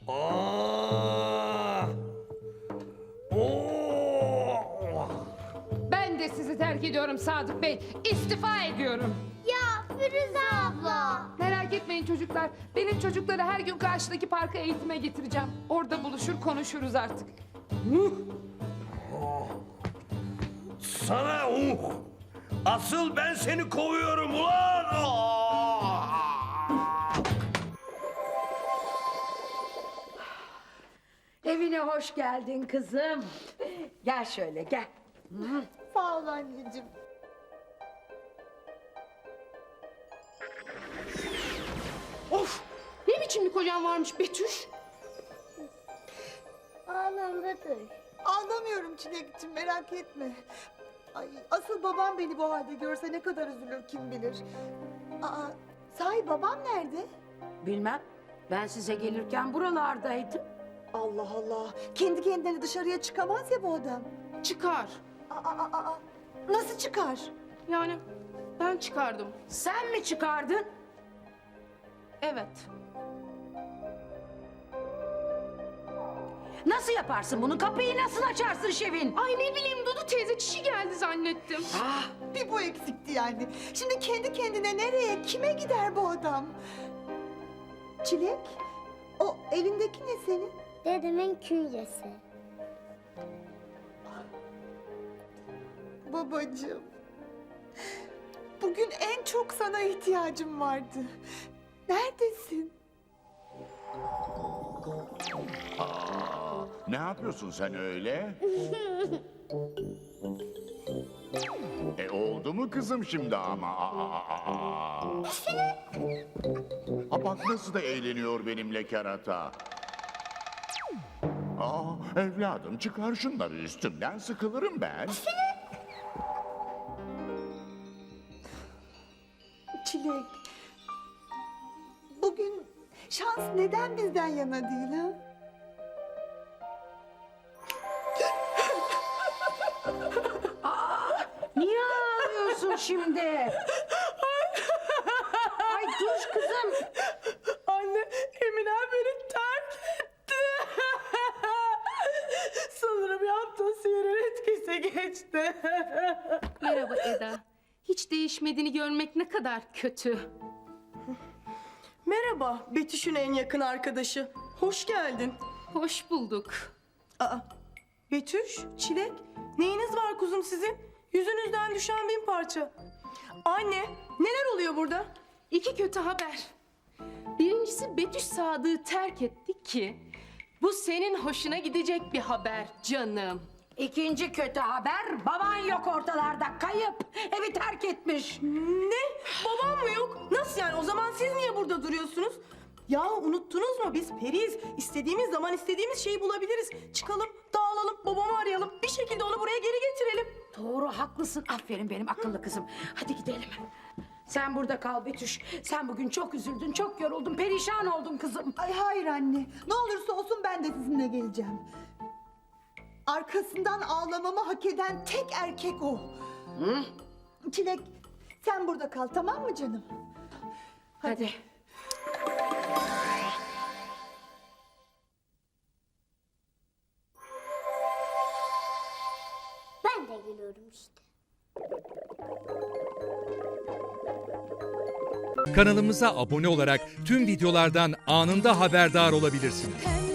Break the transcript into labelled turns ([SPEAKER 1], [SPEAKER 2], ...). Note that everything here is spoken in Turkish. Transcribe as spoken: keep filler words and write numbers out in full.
[SPEAKER 1] Aa! Oo!
[SPEAKER 2] Ben de sizi terk ediyorum Sadık Bey. İstifa ediyorum.
[SPEAKER 3] Ya Firuze abla.
[SPEAKER 2] Merak etmeyin çocuklar. Benim çocukları her gün karşıdaki parka eğitime getireceğim. Orada buluşur konuşuruz artık.
[SPEAKER 1] Sana uh! Asıl ben seni kovuyorum ulan! Aa!
[SPEAKER 4] Evine hoş geldin kızım. Gel şöyle gel.
[SPEAKER 5] Sağ ol anneciğim.
[SPEAKER 2] Of! Ne biçim bir kocan varmış Betüş?
[SPEAKER 3] Ağlam Betüş.
[SPEAKER 5] Anlamıyorum Çilek'ciğim, merak etme. Ay, asıl babam beni bu halde görse ne kadar üzülür kim bilir. Aa, sahi babam nerede?
[SPEAKER 4] Bilmem. Ben size gelirken buralardaydım.
[SPEAKER 5] Allah Allah. Kendi kendine dışarıya çıkamaz ya bu adam.
[SPEAKER 2] Çıkar.
[SPEAKER 5] Aa, aa, aa. Nasıl çıkar?
[SPEAKER 2] Yani ben çıkardım.
[SPEAKER 4] Sen mi çıkardın?
[SPEAKER 2] Evet.
[SPEAKER 4] Nasıl yaparsın bunu? Kapıyı nasıl açarsın Şevin?
[SPEAKER 2] Ay ne bileyim Dudu teyze çişi geldi zannettim.
[SPEAKER 4] Ah,
[SPEAKER 5] Bir bu eksikti yani. Şimdi kendi kendine nereye, kime gider bu adam? Çilek, o elindeki ne senin?
[SPEAKER 3] Dedemin künyesi.
[SPEAKER 5] Babacığım. Bugün en çok sana ihtiyacım vardı. Neredesin?
[SPEAKER 6] Aa, ne yapıyorsun sen öyle? E oldu mu kızım şimdi ama? Aa, aa, aa. Ha bak nasıl da eğleniyor benimle kerata. Aa, evladım çıkar şunları üstümden, sıkılırım ben.
[SPEAKER 5] Çilek. Bugün şans neden bizden yana değil ha?
[SPEAKER 4] niye ağlıyorsun şimdi? Ay dur kızım.
[SPEAKER 7] Anne, Emine beni terk etti. Sanırım yaptığı sihirin etkisi geçti.
[SPEAKER 2] Merhaba Eda. Hiç değişmediğini görmek ne kadar kötü.
[SPEAKER 7] Merhaba, Betüş'ün en yakın arkadaşı. Hoş geldin.
[SPEAKER 2] Hoş bulduk.
[SPEAKER 7] Aa, Betüş, Çilek, neyiniz var kuzum sizin? Yüzünüzden düşen bin parça. Anne, neler oluyor burada?
[SPEAKER 2] İki kötü haber. Birincisi Betüş Sadık'ı terk etti ki bu senin hoşuna gidecek bir haber canım.
[SPEAKER 4] İkinci kötü haber, baban yok ortalarda, kayıp. Evi terk etmiş.
[SPEAKER 7] Ne? Babam mı yok? Nasıl yani? O zaman siz niye burada duruyorsunuz? Ya unuttunuz mu? Biz periyiz. İstediğimiz zaman istediğimiz şeyi bulabiliriz. Çıkalım, dağılalım, babamı arayalım. Bir şekilde onu buraya geri getirelim.
[SPEAKER 4] Doğru, haklısın. Aferin benim akıllı kızım. Hadi gidelim. Sen burada kal Betüş. Sen bugün çok üzüldün, çok yoruldun, perişan oldun kızım.
[SPEAKER 5] Ay hayır anne. Ne olursa olsun ben de sizinle geleceğim. Arkasından ağlamamı hak eden tek erkek o.
[SPEAKER 4] Hı?
[SPEAKER 5] Çilek, sen burada kal, tamam mı canım?
[SPEAKER 4] Hadi.
[SPEAKER 3] Ben de geliyorum işte.
[SPEAKER 8] Kanalımıza abone olarak tüm videolardan anında haberdar olabilirsiniz.